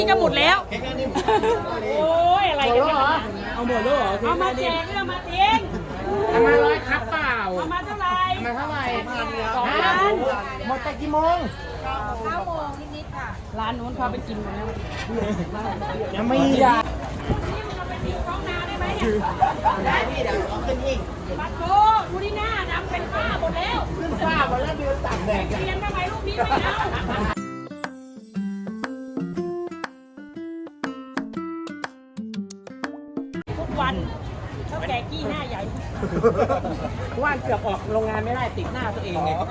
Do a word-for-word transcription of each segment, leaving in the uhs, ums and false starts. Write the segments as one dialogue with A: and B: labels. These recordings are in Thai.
A: นี่ก็หมดแล้วโอ้ยอะไรกันเนี่ย
B: เอาหมดแล้วเหรอ
A: เอามาแจกเอามาทิ้ง
B: เอามาร้อยครับเปล่า
A: เอามาเท่าไหร่
B: เอามาเท่าไหร่
A: สองพัน
B: หมดแต่กี่โมง
C: เก้าโมงนิดๆค่ะ
A: ร้านนู้นเขาไปกินหมดแล้ว
B: ยังไม่อยาก
A: นี่มันเอาไปทิ้งท้องนาได้ไหมเนี่ย
B: ได้พี่เดี๋ยวเอาขึ้นอีก
A: บัตรโตดูที่หน้าดำเป็นฝ้าหมดแล้ว
B: ขึ้นฝ้าหมดแล้วเดือนตักแดด
A: เรียนทำไมลูกนี้ไม่เอาทุกวันเขาแก่กี้หน้าใหญ่
B: ว่านเกือบออกโรงงานไม่ได้ติดหน้าตัวเองไง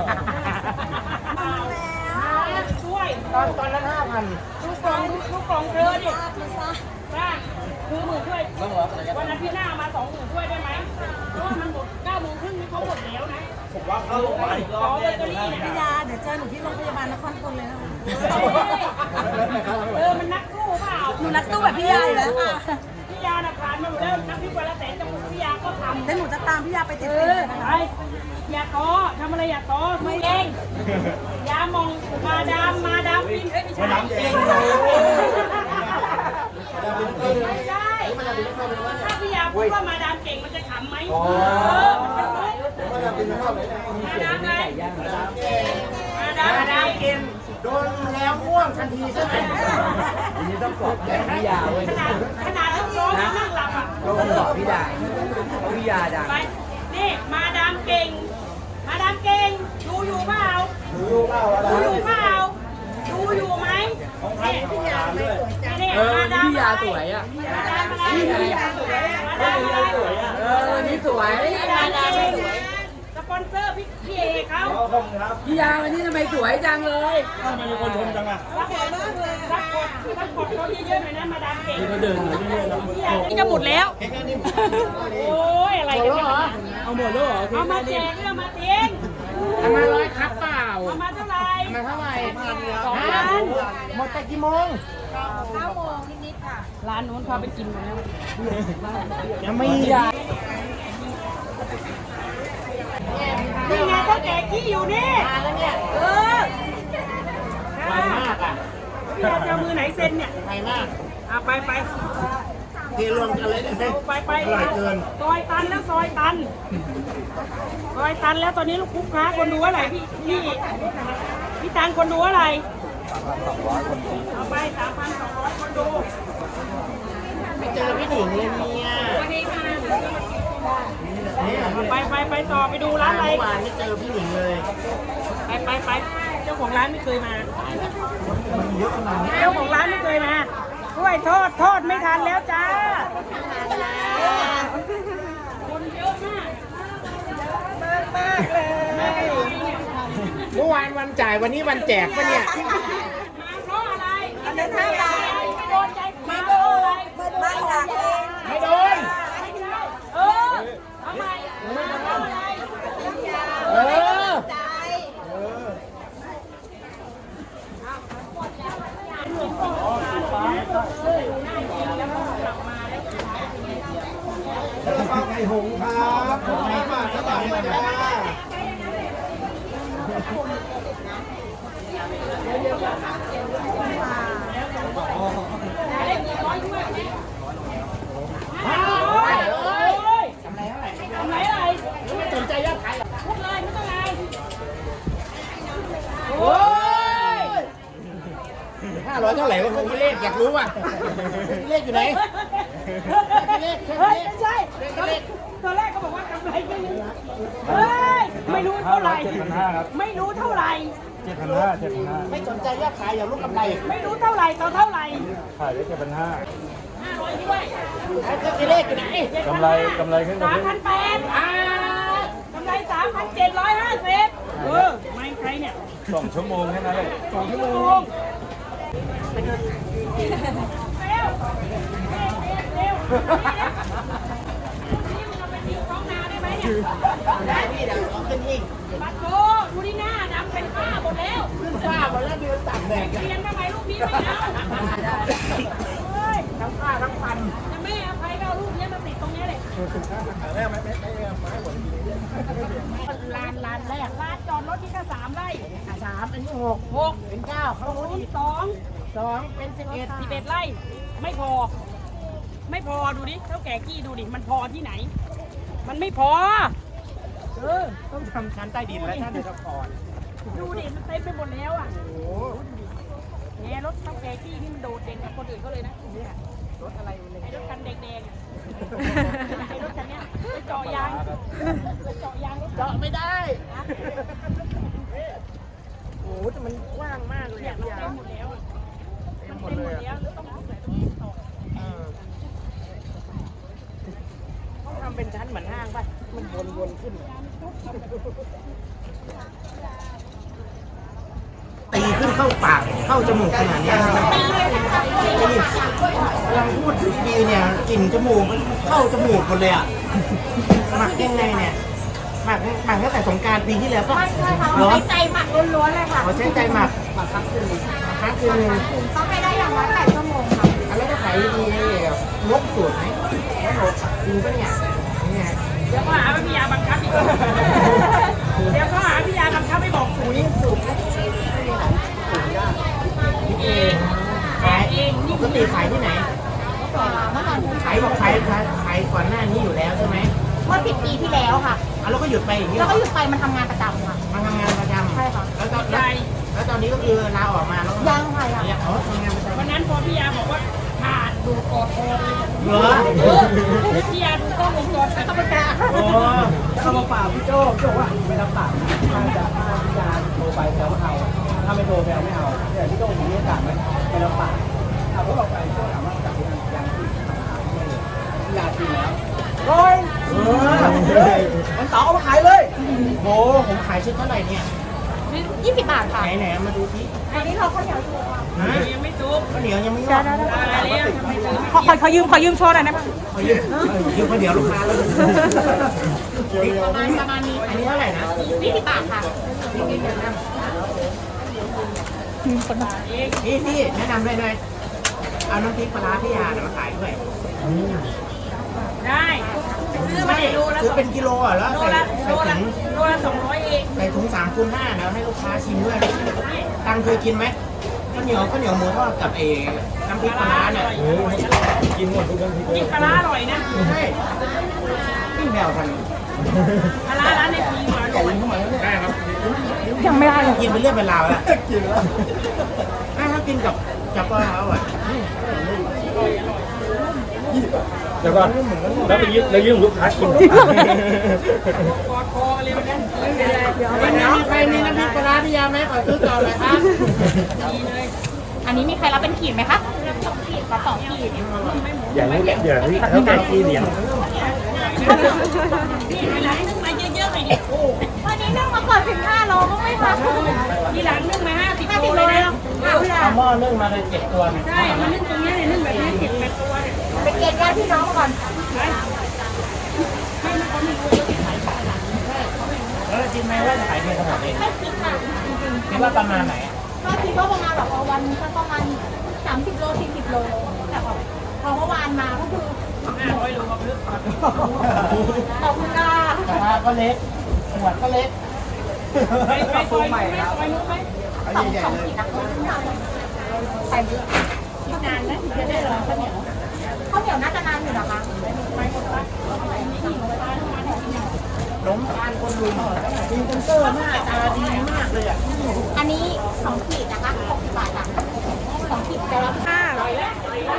A: ช่วย
B: ตอนตอนนั้นห้าพัน
A: ลูกกองลูกกองเธอดิป้าคือหมื่นช่วยวันนั้นพี่หน้ามาสองหมื่นช่วยได้ไหมเพราะว่ามันหมดเก้าโมงครึ่งนี่เขาหมดแล้วนะ
B: ผมว่าเข้าโรงพยาบาลอีกรอบแน่เลย
C: พี่ยาเดี๋ยวเจอหนูที่โรงพยาบาลนครพนมเลยนะ
A: เออมันนักสู้เปล่า
C: หนูนักสู้แบบพี่ยาอยู่แล้วค่ะ
A: พี่ยาน่ะผ่านมาหมดแล้วนักพิวันละแสนจมูกพี่ยาก็ทำ
C: แล้วหนูจะตามพี่ยาไปติดๆนะคะ
A: อย่าท้อทำอะไรอย่าท้อไม่เองยามองมาดามมาดามฟินเอ้ยไม่ใช่มาดามเก่งไม่ใช่ถ้าพี่ยาพูดว่ามาดามเก่งมันจะขำไหมเออมันเป็นมุกมาดามฟินมาดามอะไรมาดาม
B: มาดามกินโดนแล้วม่วงทันทีใช่ไหม
D: อันนี้ต้องสอบแบบพี่ยาเว้ย
A: ขนาดขนาดต้องร้องนั่งหลับอ่ะ
D: ต้องสอบพี่ยาเพราะพี่ยาดัง
A: ไปนี่มาดามเก่งมาดามเก่งดูอยู่เปล่าดูอยู่เปล่าดูอยู่ไหมนี่พี่ยาไม่สวยจัง
D: เออนี่พี่ยาสวยอ่ะ
A: มาดามอะไรพี่ยาสวยมาดามอะไร
D: เออนี่สวย
A: มาดามเก่งสปอนเซอร์พี่พี่เอกเขา
D: พี่ยาวันนี้ทำไมสวยจังเลย
B: ทำไมมีคนชมจังอ่ะ
A: รักมากเลยรักกดรักกดเขาเยอะๆหน่อยนะมาดามเก่ง
B: มาเดินหน่อยเรื่อยๆ
A: นี่ก็หมดแล้วโอ้ยอะไรกันเนี่ย
B: เอาหมดแล้วเหรอ
A: เอามาแจกเอามาทิ้ง
B: เอามาร้อยครับเปล่า
A: เอามาเท่าไหร่
B: เอามาเท่าไหร่
A: สองพัน
B: หมดแต่กี่โมง
C: เก้าโมงนิดๆค่ะ
A: ร้านนู้นเขาไปกินหมดแล้ว
B: ยังไม่อยาก
A: นี่ไงเขาแจกกี้อยู่นี่เออ
B: ไวมากอ่ะ
A: พี่ยาจะมือไหนเซ็นเนี่ย
B: ไวมาก
A: เอาไปไป
B: เทรวมกันเลยได้ไหม
A: ไปไป
B: อร่อยเกิน
A: ซอยตันแล้วซอยตันซอยตันแล้วตอนนี้ลูกคุกค้าคนดูอะไรพี่พี่พี่ตังคนดูอะไรเอาไปสามพันสองร้อยคนดู
B: ไม่เจอพี่หนิงเลยเนี่ย
A: วันนี้ค่ะไปไปไปต่อไปดูร้านอะไร
B: เมื่อวานไม่เจอพี่หนิงเลย
A: ไปไปไปเจ้าของร้านไม่เคยมาเจ้าของร้านไม่เคยมาด้วยทอดทอดไม่ทันแล้วจ้าคนเยอะมากมากมากเลย
B: เมื่อวานวันจ่ายวันนี้วันแจกปะเนี่ย
A: มาเพราะอะไรอันนั้นไม่ได้ไม่โดนใจไม่โดน
C: ไม่หนักเลย
B: ไม่โดน
A: เออทำไมมาเพราะอะไร
B: เออไก่หงครับไก่มาสบายเลยจ้าทำไรเท่าไหร่
A: ทำไรอะไร
B: ไม่สนใจยอดขายหรอ
A: พูดเลยไม่ต้องไร
B: โอ้ยห้าร้อยเท่าไหร่วะพี่เลขอยากรู้ว่ะพี่เลขอยู่ไหนเลข
A: เฮ้ยไม่ใช่ตอนแรกก็บอกว่ากำไรแค่นี้เฮ้ยไม่รู้เท่าไหร่ไม่รู้เท่าไหร่
B: เจ็ดพันห้าเจ็ดพันห้าไม่สนใจยอดขายอย่ารู้กำไร
A: ไม่รู้เท่าไหร่ต่อเท่าไหร่
B: ขายได้เจ็ดพันห้า
A: ห้าร้อยด้วย
B: พี่เลขอยู่ไหน
D: กำไรกำไรขึ้น
A: สามพันแปดกำไรสามพันเจ็ดร้อยห้าสิบเออไม่ใครเนี่ย
D: สองชั่วโมงแค่นั้นเลย
A: สองชั่วโมงเร็วเร็วเร็วนี่มันเอาไปทิ้งท้องนาได้ไหมเนี่ย
B: ได้พี่เดี๋ยวเอาขึ้นอีก
A: บัตรโตดูที่หน้าดำเป็นฝ้าหมดแล้ว
B: ขึ้นฝ้าหมดแล้วเดือนตักแดด
A: เรียนทำไมลูกนี้ไม่เอาเฮ้ย
B: ทั้งฝ้าทั้งฟัน
A: จะไม่อภัยก็เอาลูกนี้มาติดตรงนี้เลย
B: แม่ไม่ไม่ไม่ไม่หมด
A: ลานลานแรกลานจอดรถที่แค่สามไร่
C: สามอันนี้หก
A: หก
C: เป็นเก้าเขา
A: โอ้ยสอง
B: สองเป็นสิบเอ็ด
A: สิบเอ็ดไร่ไม่พอ ไม่พอดูดิเท่าแก่กี้ดูดิมันพอที่ไหน มันไม่พอ เออ
B: ต้องทำชั้นใต้ดินแล้วท่านเดือดพร
A: ดูดิมันเต็มไปหมดแล้วอ่ะ
B: โอ้โห
A: เนี่ยรถเท่าแก่กี้นี่มันโดดเด่นกับคนอื่นเขาเลยนะเนี่ย
B: รถอะไรเลย
A: ไอ้รถคันแดงๆอะไอ้รถคันเนี้ยไปเจาะยางไปเจาะยางรถ
B: เจาะไม่ได้โอ้โหแต่มันกว้างมากเลย
A: เนี่ย
B: อ่ะ
A: มัน
B: พี่
A: เต็
B: ยาม
A: หมดแล้วอะ
B: เต็
A: มั
B: ม
A: น
B: หมด
A: เต็ม
B: เล
A: หม
B: ย
A: ด
B: อ่ะ
A: แล้วแล้วต้องเอาใส่ตรงนี้ต่อ
B: เออต้องทำเป็นชั้นเหมือนห้างป่ะมันวนๆขึ้นตีขึ้นเข้าปากเข้าจมูกขนาดเนี้ยนะครับตีกำลังพูดดีๆเนี่ยกลิ่นจมูกมันเข้าจมูกหมดเลยอ่ะหมักยังไงเนี่ยหมักหมักตั้งแต่สงกรารปีที่แล้วก็
C: ไม่ใช่ค่ะ
B: เหรอ
C: ใช้ใจหมักล้วนๆเลยค่ะ
B: เขาใช้ใจหมักหมักครั้งคืนหนึ่งครั้งคืนหนึ่ง
C: ต้องให้ได้อย่างน้อยแปดชั่วโมงค่ะ
B: อันแล้วก็ขายดีๆลบสูตรไหมลบสูตรจริงปะเนี่ยเนี่ย
A: เดี๋ยวก็หาว่าพี่ยาบังคับอีกเดี๋ยวก็หาพี่ยาบังคับให้บอกสูตร
B: นี่สูตรไม่ไม่มีไหนสูตรยากนี่เองขายเองปกติขายที่ไหน
C: เมื่อก่อน
B: ขายบอกขายขายก่อนหน้านี้อยู่แล้วใช่ไหม
C: เมื่อสิบปีที่แล้วค่ะ
B: อ่ะแล้วก็หยุดไปอย่างนี้
C: แล้ว
B: เหร
C: ก็
B: อ
C: หยุดไปมันทำงานประจำค่ะ
B: มาทำงานประจำ
C: ใช่ค่ะ
B: แล้วตอนแล้วแล้วตอนนี้ก็คือลาออกมาแล้ว
C: ยังค่ะยัง
B: ยังอ๋อทำงานประจำ
A: วันนั้นพอพี่ยาบอกว่าขาดดูกอดคอเลย
B: เหรอ
A: พี่ยาดูกล้องวงจรปิดก็ไม่กล้า
B: โอ้
E: เอามาฝากพี่โจ้พี่โจ้ว่าไม่รับปากถ้าจะถ้าพี่ยาโทรไปแล้วเอาถ้าไม่โทรไปเอาไม่เอาแต่พี่โจ้ผมไม่สั่งไม่ไม่รับปากเอาพวกเราไปพี่โจ้ถามว่าจากยังยังที่พี่ยากินแล้ว
B: ร้อยเออ
E: มันต่อเอามาขายเลย
B: โหผมขายชุดเท่าไหร่เนี่ย
C: ยี่สิบบาทค่ะ
B: ไหนไหนมาดูสิ
C: อันนี้เราข้าวเหนียวถูกค่ะ
B: ฮะ
A: ยังไม่ซุก
B: ข้าวเหนียวยังไม่งอก
A: ได้แล้วทำไมถึง
C: ขอขอยืมขอยืมโชว์หน่อยได้ไหม
B: ขอยืมยืมข้าวเหนียวลูกค้าแล้ว
C: ประมาณประมาณนี้
B: อันนี้เท่าไหร่นะ
C: ยี่สิบบาทค่ะ
B: พี่พี่แนะนำเลยหน่อยเอาน้ำพริกปลาร้าพี่ยาเนี่ยมาขายด้วย
A: ได้ซื้อมา
B: ไม่
A: โลละ
B: ซื้อเป็นกิโลอ่ะแล้ว
A: โล
B: ใส่
A: ละ
B: ใส่
A: โลละ
B: ถุง
A: โลละสองร้อยเอง
B: ใส่ถุงสามคูณห้าแล้วให้ลูกค้าชิมด้วยตังเคยกินไหมข้าวเหนียวข้าวเหนียวหมูทอดกับเอน้ำพริกปลาร้าเนี่ย
E: กินหมดทุกน้ำพริกเล
A: กิ
E: ย
A: นปลาร้าอร่อยนะ
B: ใช่ปิ้งแผ่วทัน
A: ปลาร้าร้านในทีมาอร่อย
B: ได้ครับ
C: ยังไม่ได้เลย
B: กินเป็นเรื่องเป็นราวแล้ว
E: กินแล้ว
B: ถ้ากินกับกับปลาร้าอ่ะ
E: เดี๋ยวก่อนแล้วไปยืมแล้วยืมลูกค้ากิน
A: กอดคอเลยวันนั้น
B: วันนี้ใครมีน้ำพริกปลาร้าพี่ยาไหมขอซื้อต่อเลยครับ
A: ดีเลย
C: อันนี้มีใครรับเป็นขีดไหมคะสองขีดกับสองขีด
E: อย่างนี้เดี๋ยวนี้เขาเป็นกี่เหรียญ
A: นี่เวลานึ่งมาเยอะๆหน่อยดิโอ้
C: วันนี้นึ่งมาก่อนถึงห้าโลก็ไม่มา
A: ทีหลังนึ่งมาห้าสิบ
C: ห้า
A: โล
C: สิบโล
A: เลย
C: เลย
A: นะ
C: ค่ะพี่ยา
B: เอาหม้อนึ่งมาเลยเจ็ดตัวเนี่ย
A: ใช่มันนึ่งตรงนี้เนี่ยนึ่งแบบนี้เก็บแปดตัวเนี่ย
C: ไปเกณฑ์ญาติพี่น้องก่อน
A: ไปให้มันคนหนึ่งคนเดียวที่ขายได้
B: แล้วคิดไหมว่าจะขายดีขนาดนี้
C: ไม่คิดค่ะจริง
B: คิดว่าประมาณไหน
C: ๆก็คิดว่าประมาณแบบวันก็ประมาณสามสิบโลสี่สิบโลแต่พอพอเมื่อวานมาก็คือ
A: ห้าร้อยโลกับลึกก่อน
C: ขอบคุณค่ะ
B: กระทะก็เล็กขวดก็เล็ก
A: ไปไปซอยนู้นไหมซอยนู้นไหม
B: เอา
C: สอง
B: ใหญ่
C: สอง
B: ๆเลย
C: ขีดนะคะใส่เยอะ
A: อีกนานนะถึงจะได้รอข้าวเหนียว
C: ข้าวเหนียวน่าจะนานอยู่นะคะ
A: ไปหมดละนี่หิวไปบ้านมาเนี่ย
B: ล้มทานคนลุมมีเซนเซอร์หน้าตาดีมากเลยอ่ะ
C: อันนี้สองขีดนะคะหกสิบบาทค่ะสองขีดจะรับห้าร้อยแล้ว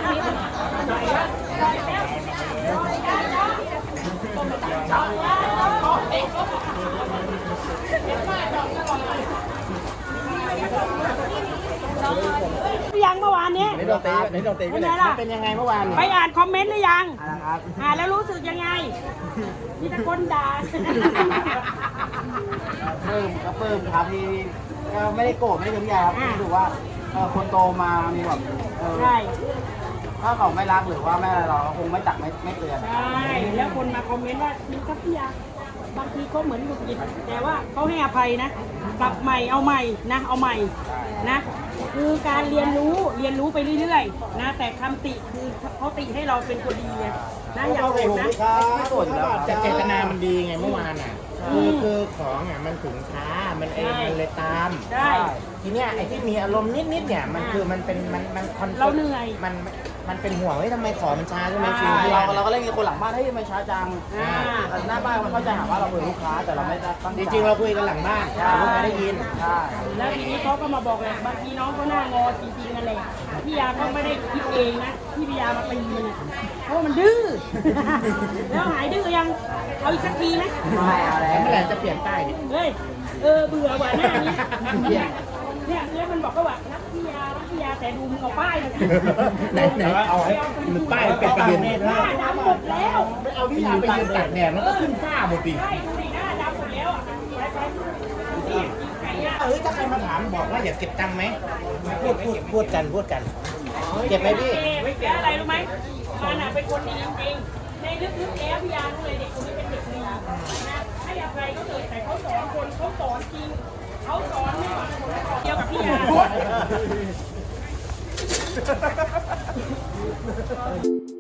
A: ยังเมื่อวานนี้
E: นี่เราเตะนี่เราเตะ
A: เป็นไงล่ะ
B: เป็นยังไงเมื่อวาน
A: ไปอ่านคอมเมนต์หรือยัง
E: นะครับ
A: อ่านแล้วรู้สึกยังไง มีแต่คนด่า
E: เพิ่มก็เพิ่มครับที่ก็ไม่ได้โกรธไม่ได้ทุกอย่างครับรู้สึกว่าเออคนโตมามีแบบเออ
A: ใช่
E: ถ้าเขาไม่รักหรือว่าไม่อะไรเราคงไม่ตักไม่ไม่เตือน
A: ใช่แล้วคนมาคอมเมนต์ว่ามีทัพยาบางทีเขาเหมือนหงุดหงิดแต่ว่าเขาให้อภัยนะกลับใหม่เอาใหม่นะเอาใหม่นะคือการเรียนรู้เรียนรู้ไปเรื่อยๆนะแต่คำติคือเขาติให้เราเป็นคนดีไงนะอย่าโกรธนะ
E: ไม่โกรธอยู่แล้ว
B: แต่เจตนามันดีไงเมื่อวานอ่ะคือคือของอ่ะมันถึงช้ามันเองมันเลยตาม
A: ได้
B: คืทีเนี้ยไอ้ที่มีอารมณ์นิดๆเนี่ยมันคือมันเป็นมันมันคอนฟ
A: เราเหนื่อย
B: มันมันเป็นห่วงเฮ้ยทำไมขอมันช้าใช่ไหม
A: อ่า
B: ฟิลที่
E: เรา
B: เรา
E: เราก็เล่นกับคนหลังบ้านเฮ้ยทำไมช้าจัง
A: อ่า
E: แต่หน้าบ้านมันเข้าใจหาว่าเราเป็นลูกค้าแต่เราไม่ได้ตั้ง
B: จ
E: ใจ
B: ริงๆเราคุยกันหลังบ้านแต่ลูกค้าได้ยิน
E: ใช่
A: แล้วทีนี้เขาก็มาบอกเลยบางทีน้องเขาหน้างอจริงๆนั่นแหละพี่ยาก็ไม่ได้คิดเองนะที่พี่ยามาตีมันอะเพราะว่ามันดื้อ แล้วหายดื้อยังเอาอีกสักทีไหม
E: ไม่เอาแล้
B: แล้ว
E: ว
B: เมื่อไหร่จะเปลี่ยนป้ายเนี่ย
A: เฮ้ยเออเบื่อว่ะหน้านี้เนี่ยเนี่ยแล้วมันบอกก็ว่ารักพี่ยารักพี่ยาแต่ดูมึงเอาป้ายมาสิ
B: ไหนไหนเอาให้มันป้ายมันเป็นประเด็น
A: หน้าดำหมดแล้ว
B: ไม่เอาพี่ยาไปยืนตากแดดมันก็ขึ้นฝ้าหมดดิ
A: ใช่ดูดิหน้าดำหมดแล้วอ่ะไปไปนี่ไก่ย่าง
B: เอ้ยถ้าใครมาถามบอกว่าอยากเก็บตังค์ไหมพูดพูดพูดกันพูดกัน เก็บไหมพี่
A: ไม่แก้อะไรรู้ไหมมันอ่ะเป็นคนดีจริงๆในลึกๆแล้วพี่ยารู้เลยเด็กคนนี้เป็นเด็กดีนะให้อภัยเขาเลยแต่เขาสอนคนเขาสอนจริงเขาสอนไม่หวังผลประโยชน์เดียวกับพี่ยา